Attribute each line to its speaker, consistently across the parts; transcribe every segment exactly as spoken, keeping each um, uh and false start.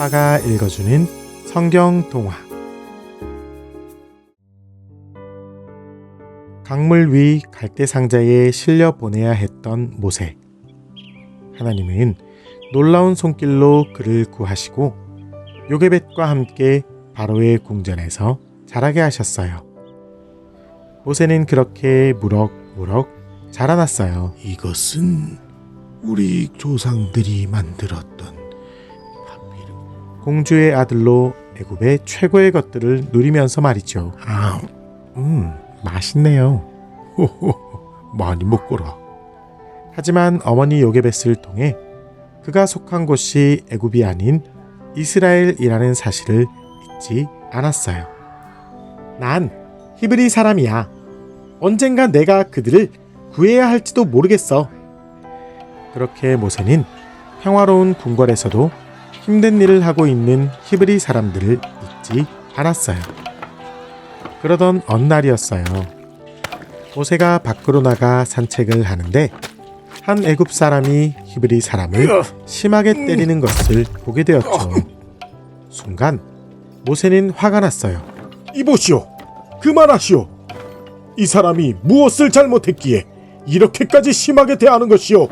Speaker 1: 아빠가 읽어주는 성경 동화. 강물 위 갈대 상자에 실려 보내야 했던 모세. 하나님은 놀라운 손길로 그를 구하시고 요게벳과 함께 바로의 궁전에서 자라게 하셨어요. 모세는 그렇게 무럭무럭 자라났어요.
Speaker 2: 이것은 우리 조상들이 만들었던 파피르.
Speaker 1: 공주의 아들로 애굽의 최고의 것들을 누리면서 말이죠.
Speaker 2: 아,
Speaker 1: 음, 맛있네요.
Speaker 2: 호호, 많이 먹거라.
Speaker 1: 하지만 어머니 요게벳을 통해 그가 속한 곳이 애굽이 아닌 이스라엘이라는 사실을 잊지 않았어요. 난 히브리 사람이야. 언젠가 내가 그들을 구해야 할지도 모르겠어. 그렇게 모세는 평화로운 궁궐에서도 힘든 일을 하고 있는 히브리 사람들을 잊지 않았어요. 그러던 어느 날이었어요. 모세가 밖으로 나가 산책을 하는데 한 애굽 사람이 히브리 사람을 심하게 때리는 것을 보게 되었죠. 순간 모세는 화가 났어요.
Speaker 2: 이보시오, 그만하시오. 이 사람이 무엇을 잘못했기에 이렇게까지 심하게 대하는 것이오.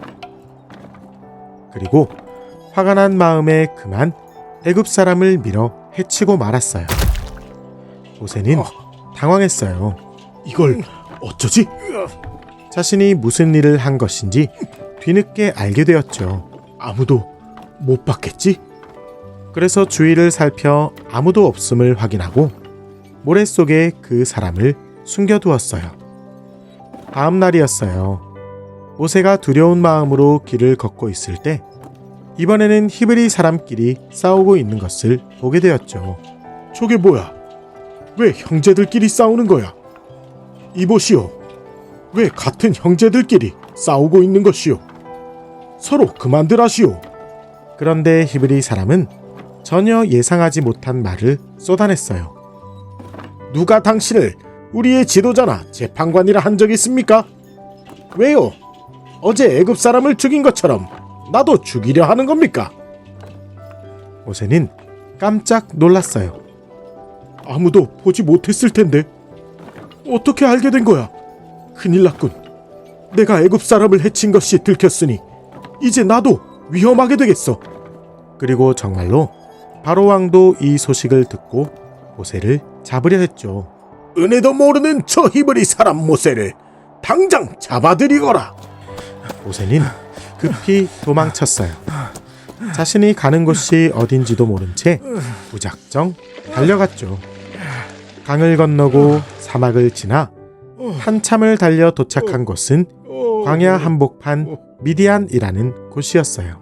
Speaker 1: 그리고 화가 난 마음에 그만 애굽 사람을 밀어 해치고 말았어요. 모세는 당황했어요.
Speaker 2: 이걸 어쩌지?
Speaker 1: 자신이 무슨 일을 한 것인지 뒤늦게 알게 되었죠.
Speaker 2: 아무도 못 봤겠지?
Speaker 1: 그래서 주위를 살펴 아무도 없음을 확인하고 모래 속에 그 사람을 숨겨두었어요. 다음 날이었어요. 모세가 두려운 마음으로 길을 걷고 있을 때 이번에는 히브리 사람끼리 싸우고 있는 것을 보게 되었죠.
Speaker 2: 저게 뭐야? 왜 형제들끼리 싸우는 거야? 이보시오, 왜 같은 형제들끼리 싸우고 있는 것이오? 서로 그만들 하시오.
Speaker 1: 그런데 히브리 사람은 전혀 예상하지 못한 말을 쏟아냈어요.
Speaker 2: 누가 당신을 우리의 지도자나 재판관이라 한 적이 있습니까? 왜요? 어제 애굽 사람을 죽인 것처럼 나도 죽이려 하는 겁니까?
Speaker 1: 모세는 깜짝 놀랐어요.
Speaker 2: 아무도 보지 못했을 텐데 어떻게 알게 된 거야? 큰일 났군. 내가 애굽 사람을 해친 것이 들켰으니 이제 나도 위험하게 되겠어.
Speaker 1: 그리고 정말로 바로 왕도 이 소식을 듣고 모세를 잡으려 했죠.
Speaker 2: 은혜도 모르는 저 히브리 사람 모세를 당장 잡아들이거라.
Speaker 1: 모세는 급히 도망쳤어요. 자신이 가는 곳이 어딘지도 모른 채 무작정 달려갔죠. 강을 건너고 사막을 지나 한참을 달려 도착한 곳은 광야 한복판 미디안이라는 곳이었어요.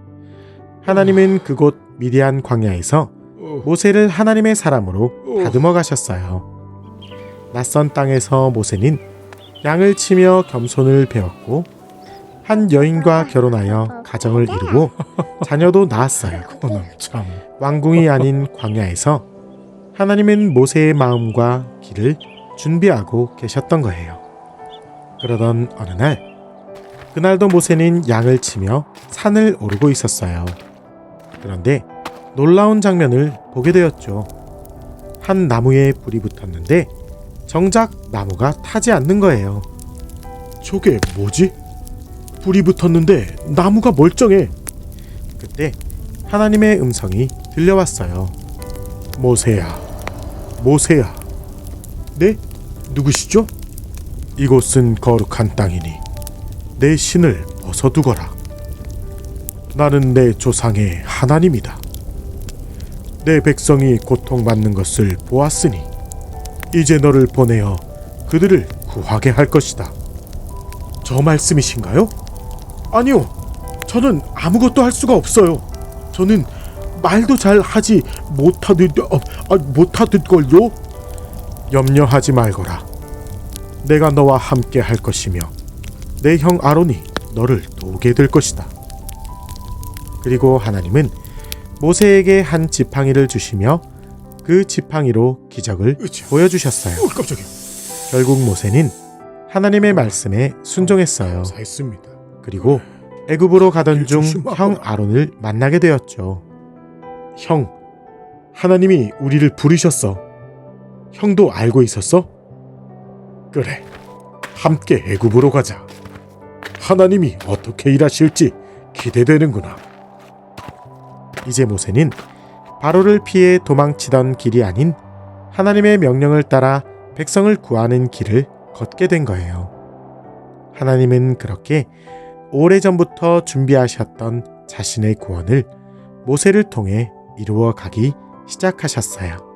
Speaker 1: 하나님은 그곳 미디안 광야에서 모세를 하나님의 사람으로 다듬어 가셨어요. 낯선 땅에서 모세는 양을 치며 겸손을 배웠고 한 여인과 결혼하여 가정을 이루고 자녀도 낳았어요.
Speaker 2: 참.
Speaker 1: 왕궁이 아닌 광야에서 하나님은 모세의 마음과 길을 준비하고 계셨던 거예요. 그러던 어느 날, 그날도 모세는 양을 치며 산을 오르고 있었어요. 그런데 놀라운 장면을 보게 되었죠. 한 나무에 불이 붙었는데 정작 나무가 타지 않는 거예요.
Speaker 2: 저게 뭐지? 불이 붙었는데 나무가 멀쩡해.
Speaker 1: 그때 하나님의 음성이 들려왔어요.
Speaker 2: 모세야, 모세야. 네? 누구시죠? 이곳은 거룩한 땅이니 내 신을 벗어두거라. 나는 내 조상의 하나님이다. 내 백성이 고통받는 것을 보았으니 이제 너를 보내어 그들을 구하게 할 것이다. 저 말씀이신가요? 아니요, 저는 아무것도 할 수가 없어요. 저는 말도 잘 하지 못하듯 어, 아, 못하듯걸요. 염려하지 말거라. 내가 너와 함께 할 것이며 내 형 아론이 너를 도우게 될 것이다.
Speaker 1: 그리고 하나님은 모세에게 한 지팡이를 주시며 그 지팡이로 기적을
Speaker 2: 으쌰.
Speaker 1: 보여주셨어요.
Speaker 2: 어, 깜짝이야.
Speaker 1: 결국 모세는 하나님의 말씀에 순종했어요.
Speaker 2: 사했습니다.
Speaker 1: 그리고 애굽으로 가던 중
Speaker 2: 조심하거라.
Speaker 1: 형 아론을 만나게 되었죠.
Speaker 2: 형, 하나님이 우리를 부르셨어. 형도 알고 있었어? 그래, 함께 애굽으로 가자. 하나님이 어떻게 일하실지 기대되는구나.
Speaker 1: 이제 모세는 바로를 피해 도망치던 길이 아닌 하나님의 명령을 따라 백성을 구하는 길을 걷게 된 거예요. 하나님은 그렇게 오래전부터 준비하셨던 자신의 구원을 모세를 통해 이루어 가기 시작하셨어요.